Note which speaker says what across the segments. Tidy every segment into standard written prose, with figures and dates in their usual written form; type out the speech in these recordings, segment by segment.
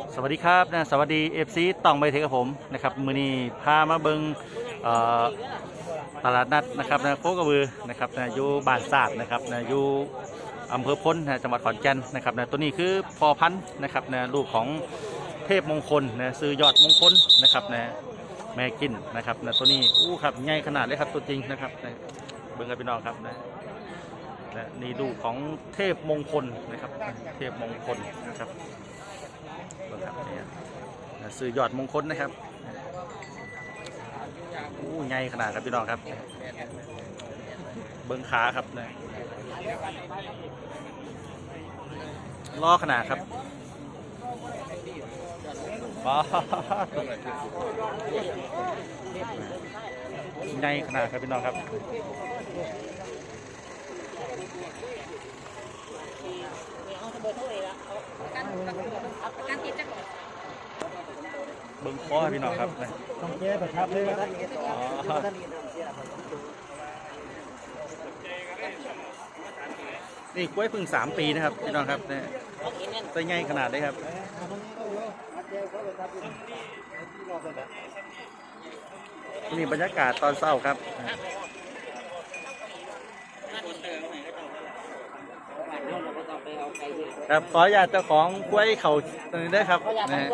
Speaker 1: สวัสดีครับนะสวัสดีเอฟซีต้องไปเทกับผมนะครับมือนี้พามาเบิงเอ่อตลาดนัดนะครับนะโคกระบือนะครับนะอยู่บ้านศาสตร์นะครับนะอยู่อำเภอพ้นนะจังหวัดขอนแก่นนะครับนะตัวนี้คือพอพันธุ์นะครับนะลูกของเทพมงคลนะซื้อยอดมงคลนะครับนะแม่กินนะครับนะตัวนี้อู้ครับใหญ่ขนาดเลยครับตัวจริงนะครับนะเบิ่งกันพี่น้องครับนะนี่ลูกของเทพมงคลนะครับเทพมงคลนะครับครับเนี่ยซื้อยอดมงคลนะครับอู้ใหญ่ขนาดครับพี่น้องครับเบิ้งขาครับนะล้อขนาดครับว้าใหญ่ขนาดครับพี่น้องครับเบิ้งคอพี่น้องครับ
Speaker 2: ต้องแก้ประทับเลยครับ
Speaker 1: นี่กล้วยพึ่ง3 ปีนะครับพี่น้องครับเนี่ยตัวใหญ่ขนาดเลยครับนี่บรรยากาศตอนเช้าครับครับขออยากเจ้าของกล้วยเขาตัวนี้ได้ครับนะฮะ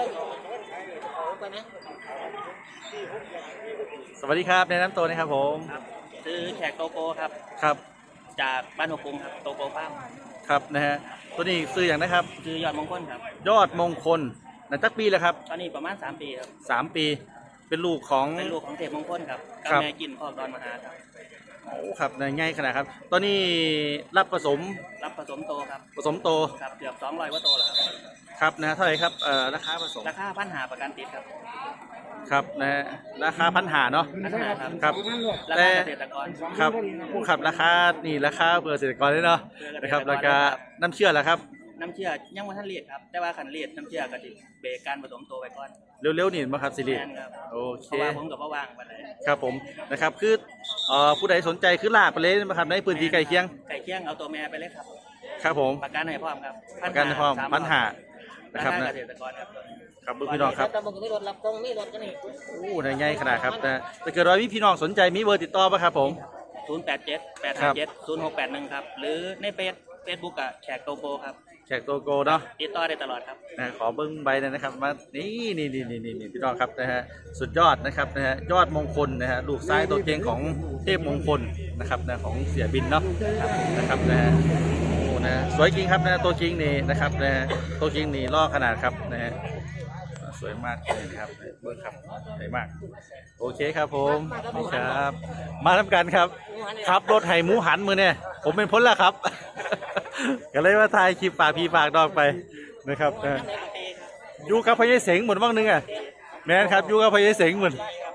Speaker 1: สวัสดีครับแนะนำตัวนะครับผม
Speaker 3: ซื้อแขกโตโกครับ
Speaker 1: ครับ
Speaker 3: จากบ้านหัวกรุงครับโตโกฟาร์ม
Speaker 1: ครับนะฮะตัวนี้ซื้ออย่างนะครับ
Speaker 3: ซื้อยอดมงคลครับ
Speaker 1: ยอดมงคลนัจักปีแล้วครับ
Speaker 3: ตอนนี้ประมาณ3 ปีครับ
Speaker 1: 3 ปีเป็นลูกของ
Speaker 3: เทพมงคลครับกับแม่กินครอบดอนมหาครับ
Speaker 1: โอ้ครับง่ายขนาดครับตอนนี้รับผสม
Speaker 3: โตครับ
Speaker 1: ผสมโต
Speaker 3: ครับเกือบ200 กว่าโตแล้วครับ
Speaker 1: ครับนะเท่าไหร่ครับราคาผสม
Speaker 3: ราคา1,500ประกันติดครับ
Speaker 1: ครับนะฮะราคา1,500เนาะ
Speaker 3: 1,500
Speaker 1: ครับ
Speaker 3: แต่เกษตรกร
Speaker 1: ครับผู้ขับราคานี่ราคาเพื่อเกษตรกรเลยเนาะนะครับราคาน้ำเชื่อแล้วครับ
Speaker 3: น้ำเชื่อยังไม่ทันเลียดครับแต่ว่าขันเลียดน้ำเชื่อกระดิเบรกการผสมโตไปก่อน
Speaker 1: เร็วๆนี่มาครับสิริโอเค
Speaker 3: เพราะว่าผมกับว่างไปเลย
Speaker 1: ครับผมนะครับคือผู้ใดสนใจคือลากไปเลยนะครับในพื้นที่ใกล้เคียง
Speaker 3: เอาตัวแม่ไปเลยครับ
Speaker 1: ครับผม
Speaker 3: ประกันให้พร้อมครับ
Speaker 1: ประกันให้พร้อม1,500นะครับนะ
Speaker 3: เกษตรกรครับ
Speaker 1: ครับพี่น้องครับ
Speaker 3: มีรถรับตรงมีรถกันนี่
Speaker 1: โอ้ในง่ายขนาดครับนะถ้าเกิดว่าพี่น้องสนใจมีเบอร์ติดต่อป่ะครับผม
Speaker 3: 087-857-0681ครับหรือในเฟซบุ๊กอะแขกโตโกครับ
Speaker 1: แขกโตโกเนาะ
Speaker 3: ติดต่อได้ตลอดครับ
Speaker 1: ขอเบิ้งใบเลยนะครับมานี่พี่น้องครับนะฮะสุดยอดนะครับนะฮะยอดมงคลนะฮะลูกซ้ายตัวเก่งของเทพมงคลนะครับนะของเสียบินเนาะนะครับนะฮะโอ้นะสวยจริงครับนะตัวจริงนี่นะครับนะตัวจริงนี่ล่อขนาดครับนะฮะสวยมากเลยนะครับเบิ้งครับสวยมากโอเคครับผมนี่ครับมาทำกันครับขับรถไห่หมูหันมือเนี่ยผมเป็นพ้นแล้วครับก็เลยว่าถ่ายคลิปฝากพี่ฝากดอกไปนะครับอยู่กับพญาเสงเหมือนว่างนึงอ่ะแม่นครับอยู่กับพญาเสงเหมือน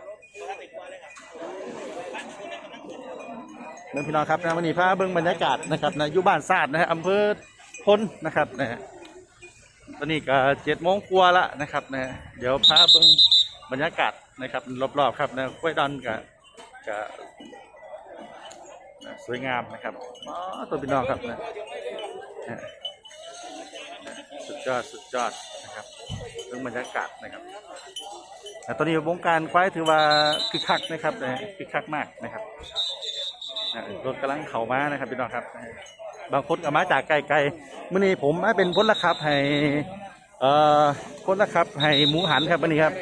Speaker 1: นั่นพี่น้องครับนะวันนี้พาเบิ้งบรรยากาศนะครับนะอยู่บ้านศาสตร์นะฮะอำเภอพ้นนะครับนะฮะตอนนี้ก็7 โมงกว่าละนะครับนะเดี๋ยวพาเบิ้งบรรยากาศนะครับรอบๆครับนะกล้วยดอนกับสวยงามนะครับตัวพี่น้องครับนะสุดยอดนะครับเรื่องบรรยากาศนะครับตอนนี้วงการควายถือว่าคึกคักนะครับคึกคักมากนะครับรถกำลังเข้ามานะครับพี่น้องครับบางคนก็มาจากไกลๆเมื่อนี้ผมเป็นพลละครับให้พลละครับให้หมูหันครับวันนี้ครับ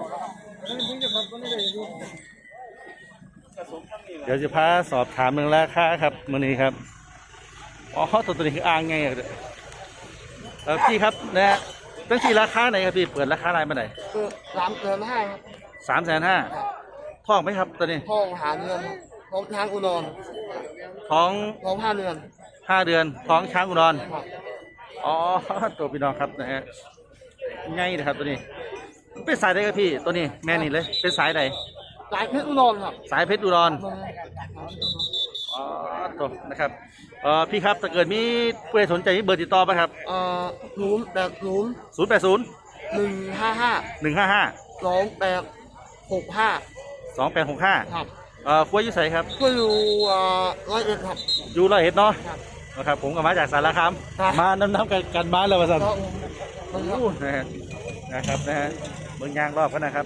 Speaker 1: เดี๋ยวจะพาสอบถามเรื่องราคาครับมื่อนี้ครับอ๋อตัวนี้คืออ่างไงพี่ครับนะฮะตั้งที่ราคาไหนครับพี่เปิดราคาอะไรมาไหน
Speaker 2: คือ3,500ครับ
Speaker 1: 350,000ท้องไหมครับตัวนี้
Speaker 2: ท้องหาเดือนท้องช้างอุดร
Speaker 1: ท้อง
Speaker 2: 5 เดือน
Speaker 1: ท้องช้างอุดรอ๋อตัวพี่น้องครับนะฮะง่ายนะครับตัวนี้เป็นสายใดครับพี่ตัวนี้แม่นี่เลยเป็นสายใด
Speaker 2: สายเพชรอุดรครับ
Speaker 1: สายเพชรอุดรอ๋อตัวนะครับพี่ครับถ้าเกิดมีผู้ใดสนใจมีเบอร์ติดต่อไหมครับ
Speaker 2: 080 155 2865ครับ
Speaker 1: กล้วยยุ่ใส่ครับ
Speaker 2: ก็อยู่101ครับ
Speaker 1: อยู่101เนาะนะครับผมกับมาจากสารคามมานำกันมาแล้วว่าสันโอ้นะฮะนะครับนะฮะเมืองยางรอบกันนะครับ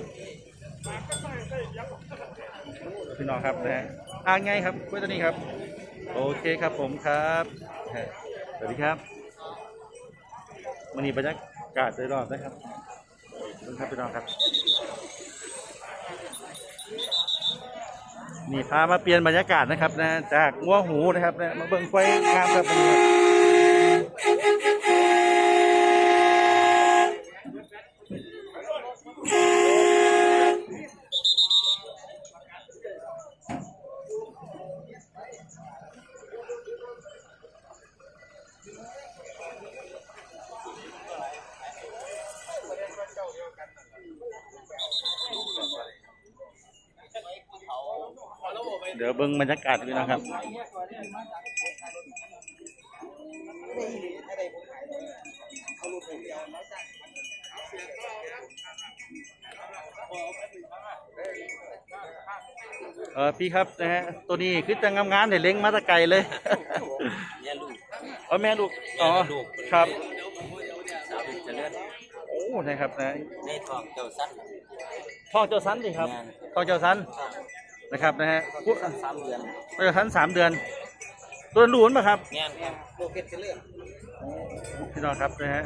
Speaker 1: พี่น้องครับนะฮะไงครับกล้วยตัวนี้ครับโอเคครับผมครับสวัสดีครับวันนี้บรรยากาศโดยรอบนะครับขอบคุณครับพี่น้องครับนี่พามาเปลี่ยนบรรยากาศนะครับนะจากงัวหูนะครับนะมาเบิ่งไฟงามครับเดี๋ยวเบิ่งบรรยากาศพี่น้องครับพี่ครับนะฮะตัวนี้คือจะงามๆเนี่ยเล้งมาแตะไกลเลย
Speaker 3: แม่ลูก
Speaker 1: แม่ลูกอ๋อ
Speaker 3: ลูก
Speaker 1: ครับ
Speaker 3: สาวจะเลือด
Speaker 1: โอ้นะครับนะ
Speaker 3: ในทองเจ้าสั้น
Speaker 1: ท่องเจ้าสันดิครับท่องเจ้าสันนะครับนะฮะ
Speaker 3: 3 เดือน
Speaker 1: เจ้าสัน3 เดือนตัวหลูนป่ะครับ
Speaker 3: แม่นโลเกตจะเลือด
Speaker 1: พี่น้องครับนะฮะ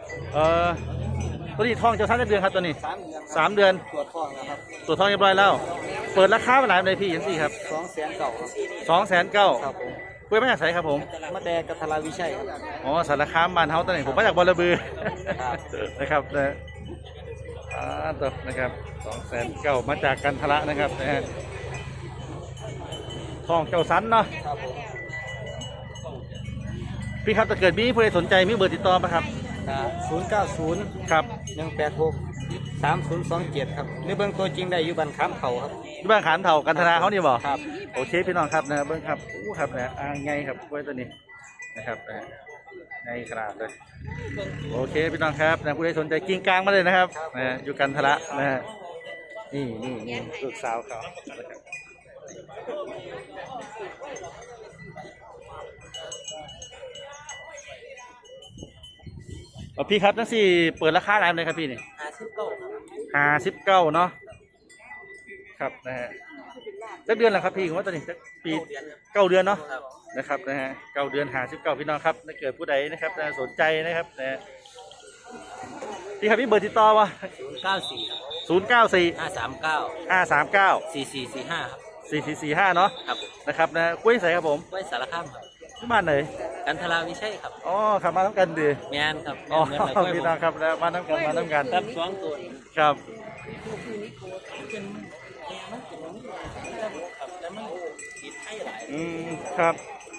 Speaker 1: ตัวนี้ท่องเจ้าสันได้เดือนครับตัวนี้
Speaker 3: 3 เดือน
Speaker 1: 3 เดือน
Speaker 3: ตรวจทองนะครับ
Speaker 1: ตัวท่องเรียบร้อยแล้ว เปิดราคาเป็นหลายเลยพี่ยังสี่ครับ
Speaker 3: 200,000เก่าครับ
Speaker 1: 209,000
Speaker 3: ครับผม
Speaker 1: คุยมาจากไสครับผม
Speaker 3: มาแต่กัทราวิชัยครับ
Speaker 1: อ๋อสารคามบ้านเฮาตอนนี้ผมมาจากบอระบือ
Speaker 3: ครับ
Speaker 1: นะครับนะตัวนะครับ209,000มาจากกันทละนะครับนะฮะท่องเจ้าสันเนาะ
Speaker 3: ครับผม
Speaker 1: พี่ครับถ้าเกิดมีผู้ใดสนใจมีเบอร์ติดต่อไหมครับ
Speaker 3: 090
Speaker 1: ครับ
Speaker 3: 186 3027ครับในเบื้องตัวจริงได้อยู่บ้านค้ามเขาครับ
Speaker 1: ที่บ้านขานเถ่ากันทนาเขานี่บอก
Speaker 3: ครับ
Speaker 1: โอเคพี่น้องครับนะเบิ้งครับอู้ครับนะไงครับกล้วยตัวนี้นะครับนะไงขนาดเลยโอเคพี่น้องครับนะผู้ใดสนใจกิ้งกลางมาเลยนะครับนะอยู่กันทละนะฮะนี่ลูกสาวเขานะครับพี่ครับทั้งสี่เปิดราคาอะไรเลยครับพี่นี่ 59เนาะครับนะฮะสักเดือนแล้วครับพี่ผมว่าตอนนี้สักปี9 เดือนเนาะนะครับนะฮะ9 เดือน59พี่น้องครับถ้าเกิดผู้ใดนะครับสนใจนะครับนะฮะพี่ครับพี่เบอร์ติดต่อวะ
Speaker 3: 094
Speaker 1: 094
Speaker 3: 539
Speaker 1: 539
Speaker 3: 4445ครับ
Speaker 1: 4445เนาะ
Speaker 3: ครับผม
Speaker 1: นะครับนะกล้วยใสครับผม
Speaker 3: ไว้สารคามครับ
Speaker 1: ที่บ้านไหน
Speaker 3: กันทราวิชัยครับ
Speaker 1: อ๋อขับมาทั้งกันดี
Speaker 3: แม่นครับ
Speaker 1: อ๋อ
Speaker 3: แม่นเลย
Speaker 1: พี่น้องครับนะมาทั้งกัน
Speaker 3: ครับ2 ตัว
Speaker 1: ครับ
Speaker 3: แล้วมันติดให้หลาย
Speaker 1: ครับ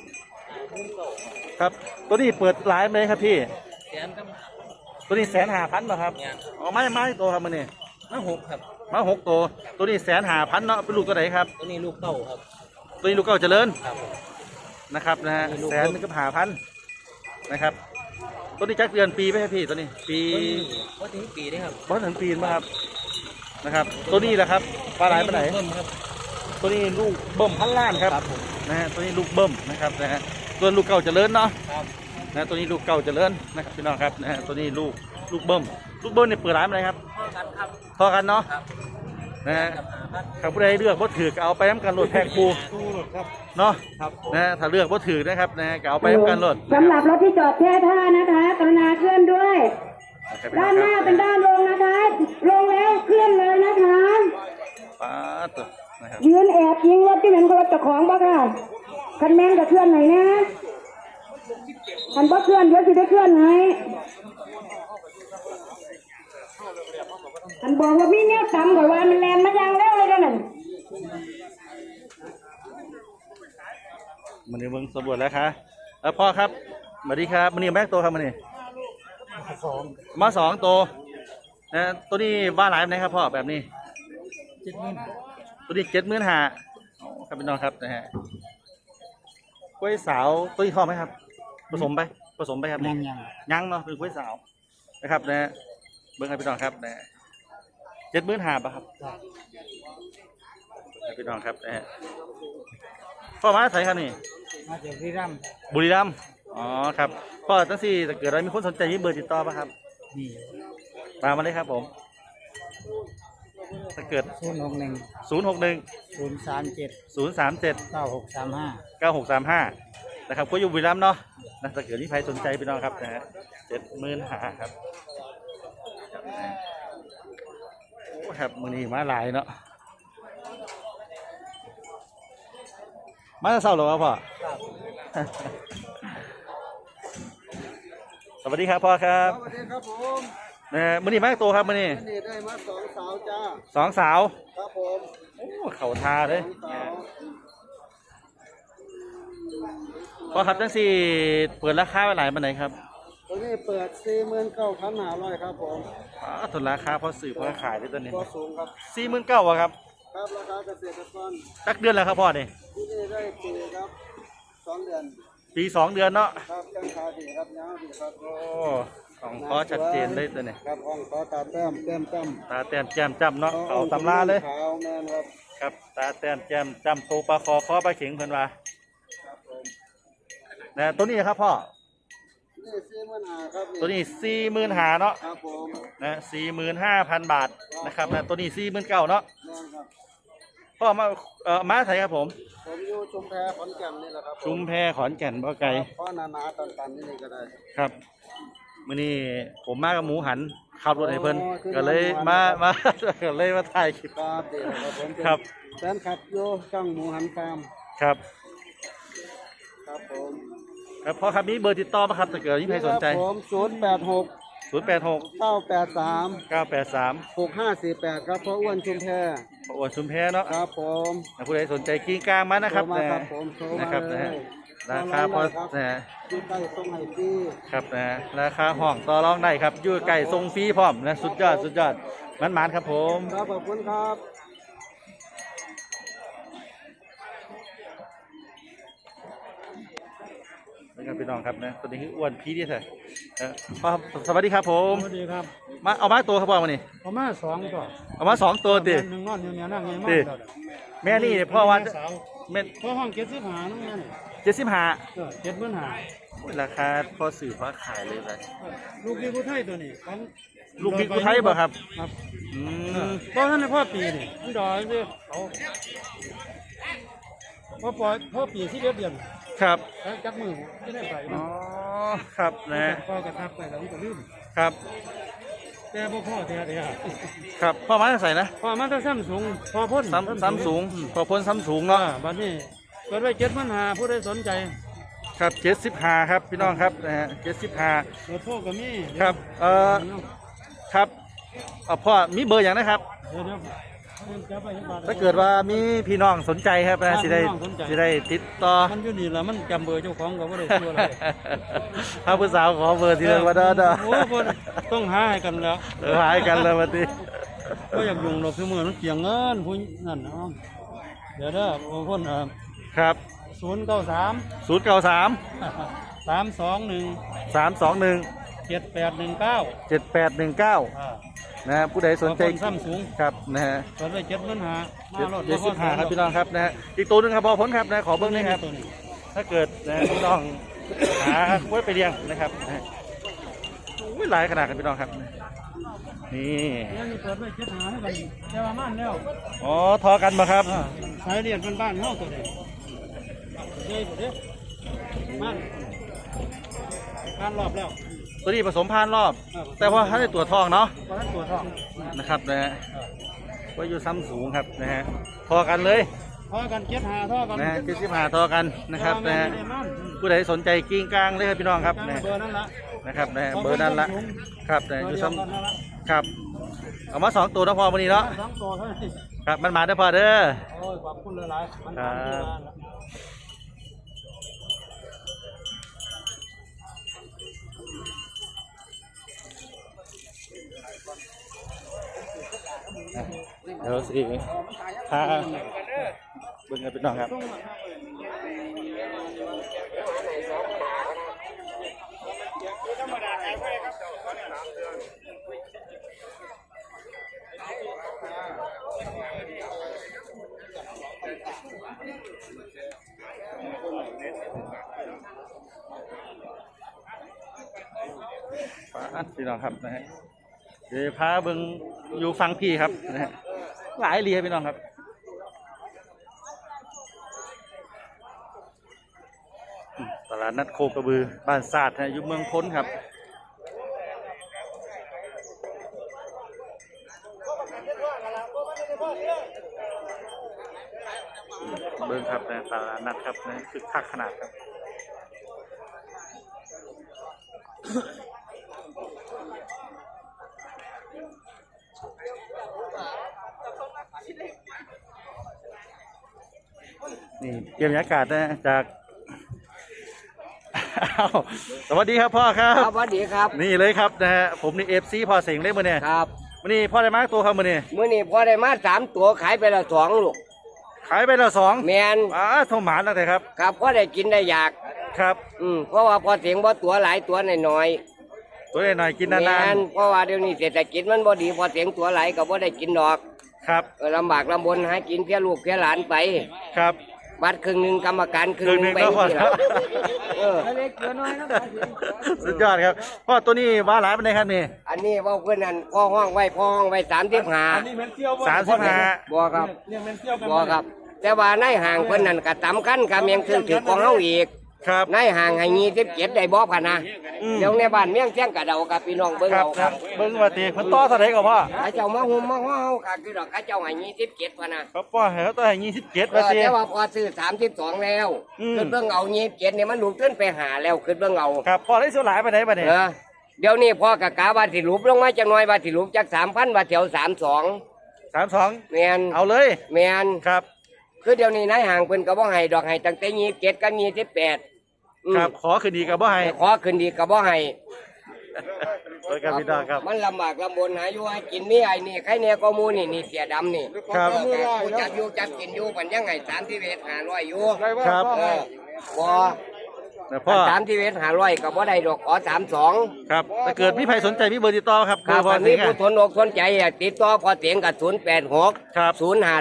Speaker 1: ครับตัวนี้เปิดหลายไหมครับพี่
Speaker 3: แสนครับ
Speaker 1: ตัวนี้150,000เหรอครับ
Speaker 3: แม่น
Speaker 1: อ๋อไม่ตัวครับมันนี่
Speaker 3: มา6ครับ
Speaker 1: มา6 ตัวนี้150,000เนาะเป็นลูกตัวไหนครับ
Speaker 3: ตัวนี้ลูกเต้าครับ
Speaker 1: ตัวนี้ลูกเก่าเจริญ
Speaker 3: ครับผม
Speaker 1: นะครับนะฮะ
Speaker 3: นี่ลูก
Speaker 1: 150,000นะครับตัวนี้จักเดือนปีไหมครับพี่ตัวนี้ปี
Speaker 3: ว่าถึงปีได้ครับ
Speaker 1: บ้านถึงปีนไหมครับนะครับตัวนี้แหละครับปลาไหลปลาไหน
Speaker 3: เพิ่มครับ
Speaker 1: ตัวนี้ลูกเบิ่ม1,000,000ครับ
Speaker 3: ครับผม
Speaker 1: นะฮะตัวนี้ลูกเบิ่มนะครับนะฮะตัวลูกเก่าเจริญเนาะ
Speaker 3: ครับ
Speaker 1: นะตัวนี้ลูกเก่าเจริญนะครับพี่น้องครับนะฮะตัวนี้ลูกเบิ่มเนี่ยเปิดร้านอะไรครับ
Speaker 3: พ่อกันครับ
Speaker 1: พอกันเนาะ
Speaker 3: ครับ
Speaker 1: นะฮะ
Speaker 3: กับ5,000
Speaker 1: ถ้าผู้ใดเลือกบ่ถือก็เอาไปน้ำกันโหลดแพงปู
Speaker 3: ครับ
Speaker 1: เนาะ
Speaker 3: ครับ
Speaker 1: นะฮะถ้าเลือกบ่ถือนะครับนะฮะก็เอาไปน้ำกันโหลด
Speaker 4: สำหรับรถที่จอดแช่ท่านะคะ กรุณาเคลื่อนด้วย ด้านหน้าเป็นด้านลงนะคะ ลงแล้วเคลื่อนเลยนะคะ
Speaker 1: ป้าตัวนะครับ
Speaker 4: ยืนแอบยิงรถที่เป็นคนรถเจ้าของบ้าค่ะคันแม่งจะเคลื่อนไหนนะคันบ่เคลื่อนเดี๋ยวสิได้เคลื่อนไหนคันบอกว่ามีแนวต่ำกว่าว่ามันแรงมายังแล้วเลยกันนั่น
Speaker 1: มันนี้เบิ่งสำรวจแล้วครับพ่อครับสวัสดีครับมันนี้แม็กตัวครับมันนี้มา2 ตัวนะตัวนี้ว่าหลายไหนครับพ่อแบบนี้ ตัวนี้75,000ครับพี่น้องครับนะฮะกล้วยสาวตัวนี้ท้องไหมครับผสมไปครับ ยังเนาะเป็นกล้วยสาวนะครับนะฮะเบิ้งให้พี่น้องครับนะฮะ75,000ป่ะครับให้พี่น้องครับนะฮะพ่อมาใส่ครับนี่
Speaker 3: มาจากที่ร่
Speaker 1: บุรีรัมย์อ๋อครับพ่อตั้งสี่ถ้าเกิดอะไรมีคนสนใจมีเบอร์ติดต่อป่ะครับ
Speaker 3: ำนี่
Speaker 1: มาเลยครับผมถ้าเกิด
Speaker 3: 061
Speaker 1: 061
Speaker 3: 037
Speaker 1: 037
Speaker 3: 9635
Speaker 1: 9635นะครับก็อยู่บุรีรัมย์เนาะนะถ้าเกิดที่ใครสนใจพี่น้องครับนะฮะ70,000หาครับโอ้ครับมือนี้มาหลายเนาะมาจะเศร้าหรอครับพ่อ สวัสดีครับพ่อครับ
Speaker 2: สวัสดีครับผม
Speaker 1: มือนี้มาตัวครับมือนี้
Speaker 2: นี่ได้มา2 สาวจ้า
Speaker 1: 2 สาว
Speaker 2: ครับผม
Speaker 1: โอ้เข่าทาเลย
Speaker 2: สาว
Speaker 1: พ่อครับจังสี่เปิดราคาไว้หลายปานไหนครับ
Speaker 2: ตัวนี้เปิด 49,500ครับผม
Speaker 1: ทุนราคาพอสื่อพอขายได้ตัวนี้
Speaker 2: ตัวสูงครับ
Speaker 1: 49,000วะครับ
Speaker 2: ครับราคาเกษตรกร
Speaker 1: ตักเดือนแล้วครับพ่อนี่
Speaker 2: ที่นี่ได้ปีครับ2 เดือน
Speaker 1: ปี2 เดือนเนาะ
Speaker 2: ครับจังขาดีครับยาวดีครับ
Speaker 1: โอ้ของพ่อชัดเจนเลยตัวนี้
Speaker 2: ครับห้องขอตาแต้มแต้มจ้ำ
Speaker 1: ตาแต้มแจ่มจำเนาะเขาตำราเลย
Speaker 2: ขาวแมนครับ
Speaker 1: ครับตาแต้มแจ่มจำโตปลาคอปลาเข็งเพิ่นว่า
Speaker 2: ครับผม
Speaker 1: นะตัวนี้ครับพ่อ
Speaker 2: นี่45,000ครับ
Speaker 1: ตัวนี้45,000เนาะ
Speaker 2: ครับผม
Speaker 1: นะ45,000 บาทนะครับนะตัวนี้49,000เนาะ
Speaker 2: แม่นครับ
Speaker 1: พ่อมามาใส่ครับผม
Speaker 2: ผมอยู่ชุมแพขอนแก่นนี่แหละครับ
Speaker 1: ชุมแพขอนแก่นบ่ไกล
Speaker 2: เพราะหนาๆตันๆนี่ก็ได้
Speaker 1: ครับมื้อนี้ผมมากับหมูหันขับรถให้เพิ่น
Speaker 2: อ๋อคือ
Speaker 1: ก็เลยมา ก็เลยมาถ่ายคลิป
Speaker 2: ครับดีครับผมเป็น
Speaker 1: ครับ
Speaker 2: แฟนคลับโยช่องหมูหันฟาร์ม
Speaker 1: ครับ
Speaker 2: ครับผม
Speaker 1: ครับพ่อครับมีเบอร์ติดต่อไหมครับถ้าเกิดมีใครสนใจ
Speaker 2: ครับผม
Speaker 1: 086
Speaker 2: 086 983
Speaker 1: 983
Speaker 2: 6548ครับพ่ออ้วนชุมแพ
Speaker 1: ประอวดชุมแพเนาะ
Speaker 2: ครับผม
Speaker 1: ผู้ใดสนใจกิ้งกลางมานะครับ
Speaker 2: โทรมา
Speaker 1: นะครับ
Speaker 2: ผมโทรมา
Speaker 1: นะครับ
Speaker 2: เล
Speaker 1: นะ
Speaker 2: ย
Speaker 1: ฮะราคาพอ
Speaker 2: ครับ
Speaker 1: นะฮะ
Speaker 2: อยู่ใกล้ตรงไหนพี่
Speaker 1: ครับนะฮะราคาห้องต่อรองได้ครับอยู่ไก่ทรงฟรีพร้อมนะสุดยอดสุดยอดมันๆครับผม
Speaker 2: ครับขอบคุณครับ
Speaker 1: นะครับพี่น้องครับนะตัวนี้คืออ้วนพีดีแท้พ่อครับสวัสดีครับผม
Speaker 3: สวัสดีครับ
Speaker 1: มาเอามาตัวครับพ่อมานี่
Speaker 3: ประมาณ2ตัว
Speaker 1: เอามา2 ตัวติ
Speaker 3: หนึ่งนอนอยู่เนี่ยนั่งไงมา
Speaker 1: ติ แม่นี่พ่อว่าแม่
Speaker 3: เพราะห้อง75นั่นนั่น
Speaker 1: 75
Speaker 3: 75,000
Speaker 1: ราคาพอสื่อพอขายเลยครับ
Speaker 3: ลูกนี่ผู้ไทยตัวนี้ของ
Speaker 1: ลูกบิ๊กอุทัยบ่ครับ
Speaker 3: ครับ
Speaker 1: อืม
Speaker 3: เพราะท่านในพ่อปีนี่มันดอยสิเขาพ่อปล่อยพ่อปีที่เดือน
Speaker 1: ครับ
Speaker 3: แล้วจักมือที่ได้ไป
Speaker 1: อ๋อครับนะฮะ
Speaker 3: พ่อกระทับไปแล้วมันก็ลืม
Speaker 1: ครับ
Speaker 3: แต่บ่พ่อแต่เดียว
Speaker 1: ครับพ่อมาใส่นะ
Speaker 3: พ่อมันจะซ้ำสูงพ่อพ่น
Speaker 1: ซ้ำสูงพอพ้นซ้ำสูง
Speaker 3: อ่า
Speaker 1: เนาะ
Speaker 3: บัดนี้เปิดไว้7,500ผู้ใดสนใจ
Speaker 1: ครับ75ครับพี่น้องครับนะฮะ75
Speaker 3: เปิดโทรก็มี
Speaker 1: ครับครับพ่อมีเบอร์อย่างนะครับ
Speaker 3: เดี๋ยวจะไปบท
Speaker 1: ถ้าเกิดว่ามีพี่น้องสนใจครับนะสิได้
Speaker 3: พี่น้องสนใจ
Speaker 1: สิได้ติดต่อ
Speaker 3: มันอยู่นี่ล่ะมันจำเบอร์เจ้าของก็บ่ได้ชื่ออะไร
Speaker 1: ถ้าผู้สาวขอเบอร์ทีละวันเด้อ
Speaker 3: โอ้บ่ต้องหาให้กันแล้ว
Speaker 1: หายกันเลยวันนี้
Speaker 3: ก็อยากยุ่งหรอกคือมือมันเกี่ยงเงินผู้นั่นเนาะเดี๋ยวเด้อบางคน
Speaker 1: ครับ
Speaker 3: 093
Speaker 1: 093
Speaker 3: 321
Speaker 1: 321
Speaker 3: 7819
Speaker 1: 7819นะฮะผู้ใดสนใจ
Speaker 3: ซ้ำสูง
Speaker 1: ครับนะฮะ
Speaker 3: เปิดไว้7,500มารถ
Speaker 1: 75ครับพี่น้องครับนะฮะอีกตัวหนึงครับพอพ้นครับนะขอเบิ้งหนี่อยครับ
Speaker 3: ตัวนี้
Speaker 1: ถ้าเกิดนะพี่น้องหาไว้ไปเลี้ยงนะครับนะฮะอุ้ยหลายขนาดกันพี่น้องครับนี่
Speaker 3: นี่เปิดไว้7,500ให้กันแต่ว่ามันแล้ว
Speaker 1: อ๋อทอกันมาครับ
Speaker 3: สายเรียนบ้านๆเฮาตัวนี้เด้บ่เด้มันการรอบแล้ว
Speaker 1: ตัวนี้ผสมพันธุ์รอบ แต่ว่าถ้าได้ตัวทองเนาะ
Speaker 3: เพราะฉะนั้นตัวทอง
Speaker 1: นะครับนะฮะว่าอยู่ซ้ำสูงครับนะฮะทอกันเลย
Speaker 3: ทอกัน7,500ทอกัน
Speaker 1: นะฮะ75ทอกันนะครับนะฮะผู้ใดสนใจกิ้งกลางเลยครับพี่น้องครับนะฮะ
Speaker 3: เบอร์นั่นละ
Speaker 1: นะครับนะฮะเบอร์นั้นละครับนะฮะอยู่ซ้
Speaker 3: เบอร์เดียวกันนั่นละ
Speaker 1: ำครับเอามา2 ตัวนะพอวันนี้เนาะ
Speaker 3: 2ตัวเท่านั้น
Speaker 1: ครับมันมาได้อพอเด้อ
Speaker 3: โอ้ยขอบคุณหลายๆมัน
Speaker 1: ครับ
Speaker 3: ทำที่บ้านละ
Speaker 1: เดี๋ยวสิพาเบิ่งกันพี่น้องครับพี่น้องครับนะฮะเดี๋ยวพาเบิ่งอยู่ฟังพี่ครับนะฮะหลายเรียพี่น้องครับตลาดนัดโคกระบือบ้านศาสตร์นะอยู่เมืองพ้นครับเบิ่งครับนะตลาดนัดครับนะคือคักขนาดครับนี่เกมบรรยากาศนะจากอ้าวสวัสดีครับพ่อครับ
Speaker 2: ครับสวัสดีครับ
Speaker 1: นี่เลยครับนะฮะผมนี่FCพ่อเสียงได้มื้อเนี่ย
Speaker 2: ครับ
Speaker 1: มื้อนี้พ่อได้มาตัวครับมื้อนี้
Speaker 2: มื้อนี้พอได้มา3ตัวขายไปแล้ว2ลูก
Speaker 1: ขายไปแล้วสอง
Speaker 2: แมน
Speaker 1: โทรหมานแล้วแต่ครับ
Speaker 2: ครับพอได้กินได้อยาก
Speaker 1: ครับ
Speaker 2: เพราะว่าพอเสียงบ่ตัวหลายตัวน้อย
Speaker 1: ตัวหน่อยๆกิน
Speaker 2: ๆ
Speaker 1: นาน
Speaker 2: เพราะว่าเดี๋ยวนี้เศรษฐกิจมันบ่ดีพอเสียงตัวหลายก็บ่ได้กินดอก
Speaker 1: ๆครับ
Speaker 2: ลำบากลำบนหากินเพียลูกเพียหลานไป
Speaker 1: ครับ
Speaker 2: บัตรครึ่งหนึงกรรมการครึ่งหนึงไป
Speaker 1: ครึ่งหนึ่งก็พอ
Speaker 2: นี่ล่ะเล็กน้อยนะ
Speaker 1: สุดยอดครับพ่อตัวนี้ว่าหลายเป็นไงครับนี่
Speaker 2: อันนี้เว่าเพื่อนนั่นพ่อห้องไว้35
Speaker 3: นี่แม่นเที่ยวบ่
Speaker 1: 35
Speaker 2: บ่ครับ
Speaker 3: เนี่ยแม่นเที่ยวกัน
Speaker 2: บ่ครับ แต่ว่าในห่างเพิ่นนั่นก็ตำคันกับเมียงถือของเฮาอีก
Speaker 1: ครับ
Speaker 2: ในห่างให้27ได้บ่พะนะ เดี๋ยวในบ้านเมียงแจ้งกะเดากับพี่น้องเบิ่ง
Speaker 1: ครับ
Speaker 2: เอา
Speaker 1: ค
Speaker 2: ค
Speaker 1: รั
Speaker 2: รั
Speaker 1: บบ เบิ่งว่าตีเพิ่นต่อเท่าไหร่ก็พ่อ
Speaker 2: ข้าเจ้ามาหุ่มมาฮ้อเฮาก็คือดอกข้าเจ้าให้27พะนะครับ
Speaker 1: พ่อให้เขาต่อให้27ว่าตี
Speaker 2: แต่ว่าพอซื้อ32แล้ว คือเบิ่งเอา27นี่มันลูกขึ้นไปหาแล้วคือเบิ่งเอา
Speaker 1: ครับพ่อได้ส่วนหลายไปไหนบัดนี้
Speaker 2: เดี๋ยวนี้พ่อกะกะว่าสิรูปลงมาจักหน่อยว่าสิรูปจัก 3,000ว่าแถว32
Speaker 1: 32
Speaker 2: แม่น
Speaker 1: เอาเลย
Speaker 2: แม่น
Speaker 1: ครับ
Speaker 2: คือเดี๋ยวนี้นายห่างเพิ่นก็บ่ให้ดอกให้ตั้งแต่27กับ28
Speaker 1: ครับขอคืนดีกับบ่ให้
Speaker 2: ขอขึ้นดีก็บ่ให้
Speaker 1: โดยกับพี่น้องครับ
Speaker 2: มันลำบากลำบนหาอยู่หากินนี่ไอ้นี่ใครเนี่ยก็หมูนี่เสียดำนี่
Speaker 1: ครับ
Speaker 2: กูจับอยู่จับกินอยู่ปันยังไง35อยู่
Speaker 1: ครับ
Speaker 2: บ่
Speaker 1: แต่พ่อ
Speaker 2: 35ก็บ่ได้ดอกขอ32
Speaker 1: ครับถ้าเกิดมีใครสนใจมีเบอร์ติดต่อครับ
Speaker 2: ครับ
Speaker 1: พ่อ
Speaker 2: อัน
Speaker 1: สิ
Speaker 2: นี้
Speaker 1: งห์
Speaker 2: ผู้ทนอกทนใจอยากติดต่อพอเสียงกับ086
Speaker 1: ครับ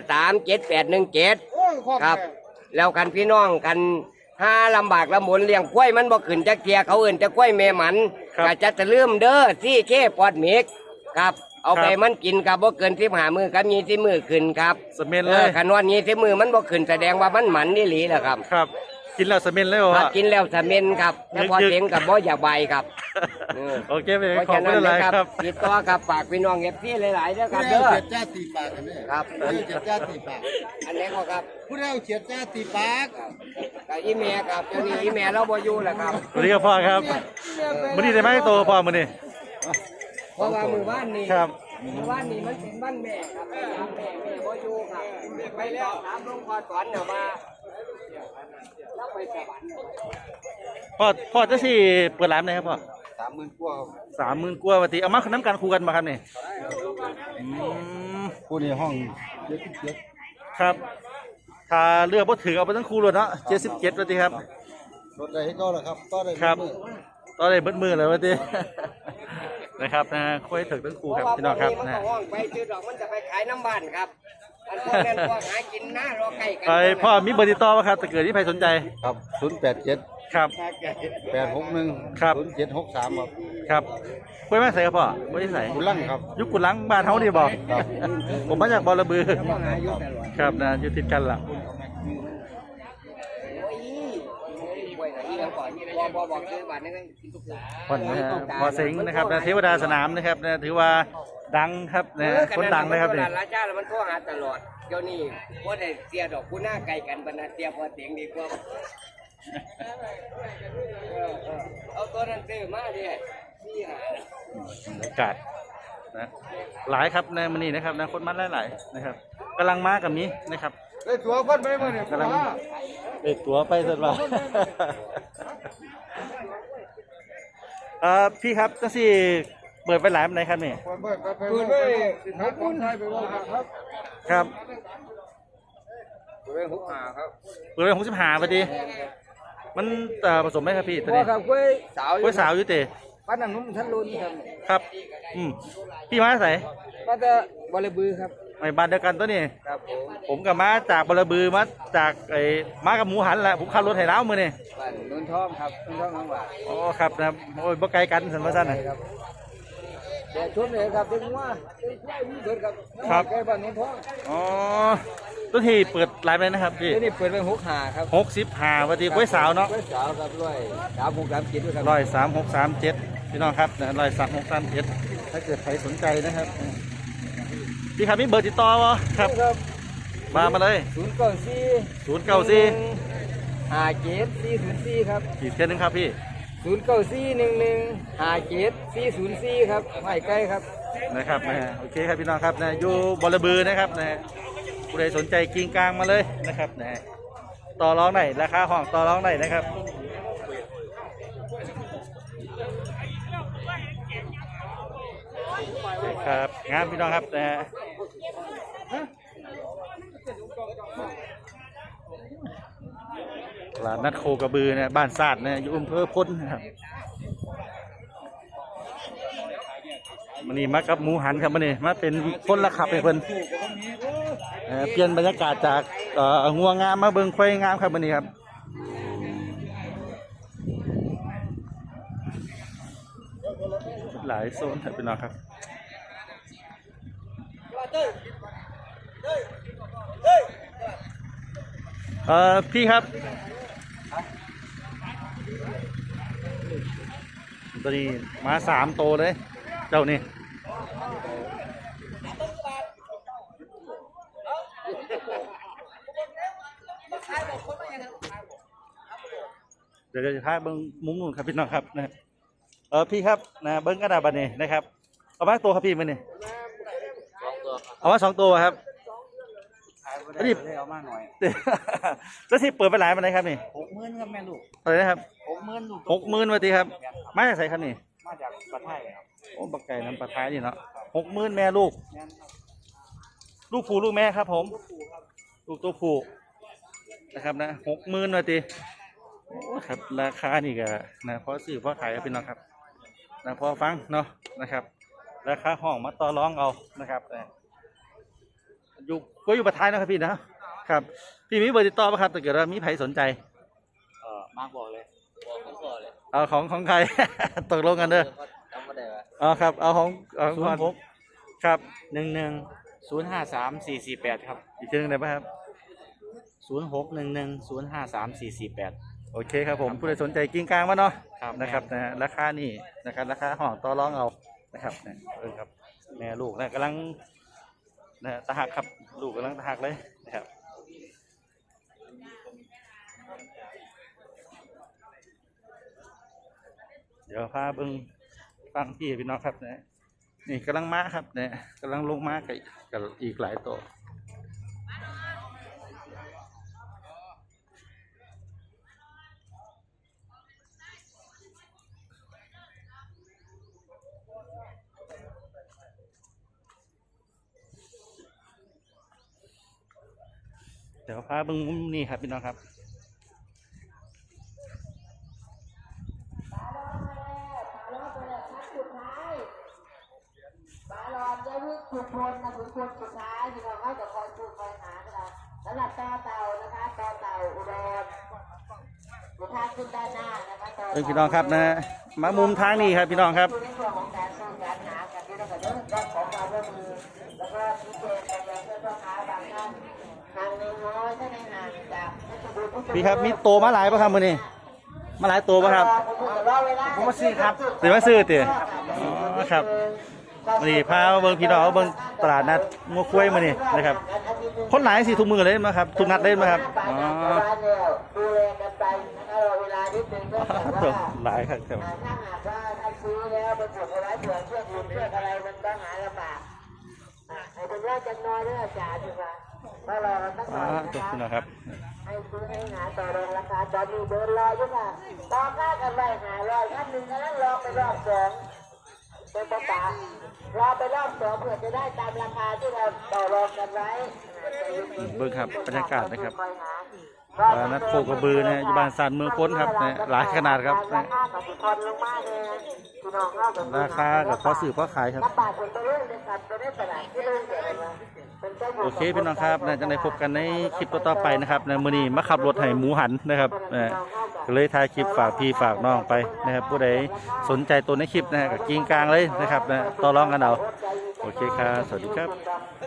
Speaker 2: 0537817ครับ แล้วกันพี่น้องกันถ้าลำบากลำบนเลี้ยงกล้วยมันบ่ขึ้นจักเทียเขาเอื่นจะกล้วยแม่หมันก็จะตะลืมเด้อซี่เคปอดเมกครับ เอาไปมันกินกับบ่เกิน15มื้อกับ20มื้อขึ้นครับ
Speaker 1: สเมนเลย
Speaker 2: คันว่า20มื้อมันบ่ขึ้นแสดงว่ามันหมันนี่หลีแหละครับ
Speaker 1: ครับ กินแล้วสเมนเลย
Speaker 2: ถ้า
Speaker 1: ว่า
Speaker 2: กินแล้วสะเม็นครับแต่พอเสียงกับบ่อยากใบครับ
Speaker 1: โอเคไป
Speaker 2: เพราะ
Speaker 1: ขอบ
Speaker 2: ฉะ
Speaker 1: คุ
Speaker 2: นั้
Speaker 1: ณ
Speaker 2: น
Speaker 1: หลาย
Speaker 2: นะครับ
Speaker 1: ครับ
Speaker 2: ติดต่อกับฝากพี่น้องFCหลายๆเด้อครับเด้อ
Speaker 5: เจ็ดจ้าตีปากกันเนี่ย
Speaker 2: ครับ
Speaker 5: เจ็ดจ้าตีปาก
Speaker 2: อันนี้ก็ครับ
Speaker 5: ผู้เล่าเจ็ดจ้าตีปาก
Speaker 2: กับอีเมลครับเดี๋ยวนี้อีเมลเราบ่อยู่แล้วครับ
Speaker 1: สวัสดีครับพ่อครับมื้อนี้ได้ไหมโตพ่อมื้อนี้
Speaker 2: เพราะว่ามือบ้านนี่
Speaker 1: ครับ
Speaker 2: มือบ้านนี่มันเป็นบ้านแม่ครับแม่บ่อยู่ครับไปแล้วถามหลวงพ่อสอนเนี่ยมาแล้วไปสวรรค์
Speaker 1: พ่อจะสิเปิดร้านไหนครับพ่อ
Speaker 5: 30,000กว่า
Speaker 1: 30,000กว่าว่าติเอามาน้ำกันคู่กันมาครับนี่อืม
Speaker 5: ผู้ในห้อง
Speaker 1: ครับถ้าเลือกบ่ถือเอาไปทั้งคู่เลยเนาะ77ว่าติครับ
Speaker 5: รถใดให้ก็แล้วครับก็ได้
Speaker 1: ครับ ตอนนี้เบิดมือเลยว่าติ นะครับนะค่อยถึงทั้งคู่ครับพี่น้องครับ
Speaker 2: เพาะว่าพวกนี้มัน
Speaker 1: นะ
Speaker 2: ก็ห้องไปซื้อดอกมันจะไปขายน้ำบ้านครับอันพวกนั้นพวกหากินนะรอใกล้กั
Speaker 1: ไปพ่อมีเบอร์ติดต่อป่ะครับถ้าเกิดที่ใครสนใจ
Speaker 5: ครับ087
Speaker 1: ครับ
Speaker 5: 861
Speaker 1: ครับ
Speaker 5: 0763ครับ
Speaker 1: ครับคุยมาใส่ครับพ่อไม่ได้ใส่
Speaker 5: คุณลั่งครับ
Speaker 1: ยุคกุลังบ้านเฮาดีบอก
Speaker 5: ครับ
Speaker 1: ผมมาจากบอระบือ
Speaker 2: หาอยู่ตลอด
Speaker 1: ครับนะอยู่ติดกันล่ะ
Speaker 2: โอ้ยป่วยไหนที่เราก่อนบอกซื้อบ้านนี่ก็กินทุกสา
Speaker 1: พ่อนนะฮะพอเซ็งนะครับนะเทวดาสนามนะครับนะถือว่าดังครับนะคนดังนะครับ
Speaker 2: เนี่
Speaker 1: นี่
Speaker 2: ยราชาแล้วมันโทรหาตลอดเดี๋ยวนี้พอได้เสียดอกกูหน้าไกลกันบรรณาเสียพอเสียงดีกว่าเอาตัวนั้นซื้อมาดินี่หา
Speaker 1: บรรยากาศนะหลายครับในมันนี่นะครับนะคนมันหลายๆนะครับกำลังมากับนี้นะครับ
Speaker 5: ได้ตัวเพิ่นไปมื้อนี้
Speaker 1: กำลังเด็กตัวไปสุดว่า พี่ครับจังสิเปิดไปหลายวันไหนครับนี่
Speaker 5: เพิ่นไปสิทักคนไทยไปว่าครับ
Speaker 1: ครับ
Speaker 5: เพิ่น65ครับ
Speaker 1: เปิดไป65พอดีมันผสมไหมครับพี่ตอน
Speaker 2: พ่อ
Speaker 1: นี้
Speaker 2: ครับกล้วยสาว
Speaker 1: กล้วยสาวอยู่เตะ
Speaker 2: ป้านันนุ่มท่านรุนครับ
Speaker 1: ครับพี่มาใส่
Speaker 2: ป้าจะบริบือครับ
Speaker 1: ไม่บ้านเดียวกันตัวนี้
Speaker 2: ครับผม
Speaker 1: ผมกับมาจากบรบือมาจากมากับหมูหันแหละผมขับรถไถล้าวมือนี่
Speaker 2: บ้านนุ่นทองครับนุ่นทองน้องหวาน
Speaker 1: อ๋อครับนะครับโอ้ยบ่ไกลกันสันว่าสั้นนะ
Speaker 5: แต่ชุดเลยครับถึงว่าได้เบิดครับ
Speaker 1: ครับ
Speaker 5: แก่บ้านน้องท้อง
Speaker 1: อ๋อตัวที่เปิดไลฟ์เลยนะครับพี่
Speaker 5: ที่นี่เปิดไป65ครับ
Speaker 1: 65วันที่กล้วยสาวเนาะ
Speaker 5: กล้วยสาวครับด้วย3637ด้วยครับ
Speaker 1: 13637พี่น้องครับนะ13637ถ้าเกิดใครสนใจนะครับพี่ครับมีเบอร์ติดต่อวะครับ
Speaker 5: ครับ
Speaker 1: มาเลย
Speaker 5: 094
Speaker 1: 094
Speaker 5: 57 ครับ
Speaker 1: อีกเท่านึงครับพี่
Speaker 5: 094 57 ครับไม่ใกล้ครับ
Speaker 1: นะครับนะฮะโอเคครับพี่น้องครับนะอยู่บอระบือนะครับนะฮะผู้ใดสนใจกิ่งกลางมาเลยนะครับนะฮะต่อรองไหนราคาห้องต่อรองไหนนะครับครับงามพี่น้องครับนะฮะตลาดนัดโคกระบือนะบ้านศาสตร์นะอยู่อำเภอพ้นนะครับมันนี่มากับหมูหันครับมันนี่มาเป็นคนละขับให้เพิ่นเปลี่ยนบรรยากาศจากงัวงามมาเบิ่งควายงามครับมันนี่ครับหลายโซนครับพี่น้องครับพี่ครับตัวนี้มา3 โตเลยเจ้านี่เดี๋ยวจะพาเบิ้งมุมนู่นครับพี่น้องครับนะพี่ครับนะเบิ้งกระดาษบันนี้นะครับเอามาตัวครับพี่มันนี่เอามา2 ตัวครับนี่เอามาหน่อยแล้วที่เปิดไปหลายมันไหนครับนี่
Speaker 3: 60,000ครับแม่ลูก
Speaker 1: อะไรนะครับ
Speaker 3: 60,000ลูก
Speaker 1: 60,000วันทีครับมาจากไหนครับนี่
Speaker 3: มาจากประเทศไทยครับ
Speaker 1: โอ้บักไก่น้ำปลาท้ายนี่เนาะ60,000แม่ลูกลูกผู้ลูกแม่ครับผมลูกตัวผู้นะครับนะ60,000วันทีโอ้ครับราคานี่ก็นะพอซื้อพอขายครับพี่น้องครับนะพอฟังเนาะนะครับราคาห้องมาต่อรองเอานะครับอยู่ก็อยู่ประเทศนะครับพี่นะครับพี่มีเบอร์ติดต่อป่ะครับถ้าเกิดว่ามีใครสนใจ
Speaker 3: มากบอกเลย
Speaker 1: เอาของใคร ตกลงกันเด้อเอาครับเอาของครับ
Speaker 3: 11053448ครับ
Speaker 1: อีกทีหนึงได้ป่ะครับ
Speaker 3: 0611053448
Speaker 1: โอเคครับผมผู้ใดสนใจกิ้งกลางมาเนาะ
Speaker 3: ครับ
Speaker 1: นะครับนะราคานี่นะครับราคาห้องต่อรองเอานะครับครับแม่ลูกนะกำลังนะตะหักครับลูกกำลังตะหักเลยนะครับเดี๋ยวพาเบิ้งฟังพี่พี่น้องครับนะนี่กำลังม้าครับเนี่ยกำลังลงม้ากับอีกหลายตัวเดี๋ยวพาเบิ้งมุมนี่ครับพี่น้องครับ
Speaker 4: บาลอนจะวิ่งขุดพลนะขุดพลสุดท้ายที่เราให้กับคอยพูดคอยหาเราสำหรับต่อเต่านะคะต่อเต่าอุดรสุดท้ายขึ้นด้านหน้านะคะต่อ
Speaker 1: พี่น้องครับนะมามุมทางนี้ครับพี่น้องครับ
Speaker 4: ในส่วนของการซื้อการหากันที่เราจะเริ่มต้นของการร่วมมือแล้วก็ชี้แจงกันอย่างเพื่อนพ่อค้าบางท่านทางหนึ่งน้อยถ้าในห่างจาก
Speaker 1: พี่ครับมีโตมาหลายป่ะครับมือนี้มาหลายตัวป่ะครับ
Speaker 4: ผมมาซื้อครับ
Speaker 1: เดี๋ยวมาซื้อเตี๋ยอ๋อครับมือนี้พาเบิ้งพี่น้องเบิ้งตลาดนัดงัวคุ้ยมือนี้นะครับคนหลายสิทุกมือเลยมั้ยครับทุกนัดเลยมั้ยครับอ๋อ
Speaker 4: ดูแลกันไปนะคะเวลานิดนึงก็แต่ว่า
Speaker 1: หลายครับครับ
Speaker 4: ถ้าหากว่าท่านซื้อแล้วไปกดเอาไว้เผื่อเพื่อนอื่นเพื่อนอะไรมันก็หาลำบากให้เป็นว่าจะน้อยด้วยอาจารย์ดีกว่าก็รอกันสักห
Speaker 1: อ๋
Speaker 4: น่
Speaker 1: อ
Speaker 4: อย
Speaker 1: จบ
Speaker 4: นะ
Speaker 1: พี่น้อง
Speaker 4: ค
Speaker 1: ครับ รับ
Speaker 4: ให้ซื้อให้หาต่อรองราคาตอนนี้เดินรออยู่ค่ะต่อค่ากันไปหารอยท่านหนึ่งนั้นรอไปรอบสองเป็นประกาศรอไปรอบสองเพื่อจะได้ตามราคาที่เราต่อรองกันไว้
Speaker 1: เบิ้งครับบรรยากาศนะครับนัดโคกระบือนะอยู่บ้านสานเมืองพ้นครับนะหลายขนาดครับนะราคากับพอสื่อพอขายครับโอเคพี่น้องครับนะจะได้พบกันในคลิปต่อๆไปนะครับนะมื้อนี้มาขับรถให้หมูหันนะครับก็เลยถ่ายคลิปฝากพี่ฝากน้องไปนะครับผู้ใดสนใจตัวในคลิปนะฮะกับกิ้งกลางเลยนะครับนะต่อรองกันเอาโอเคครับสวัสดีครับ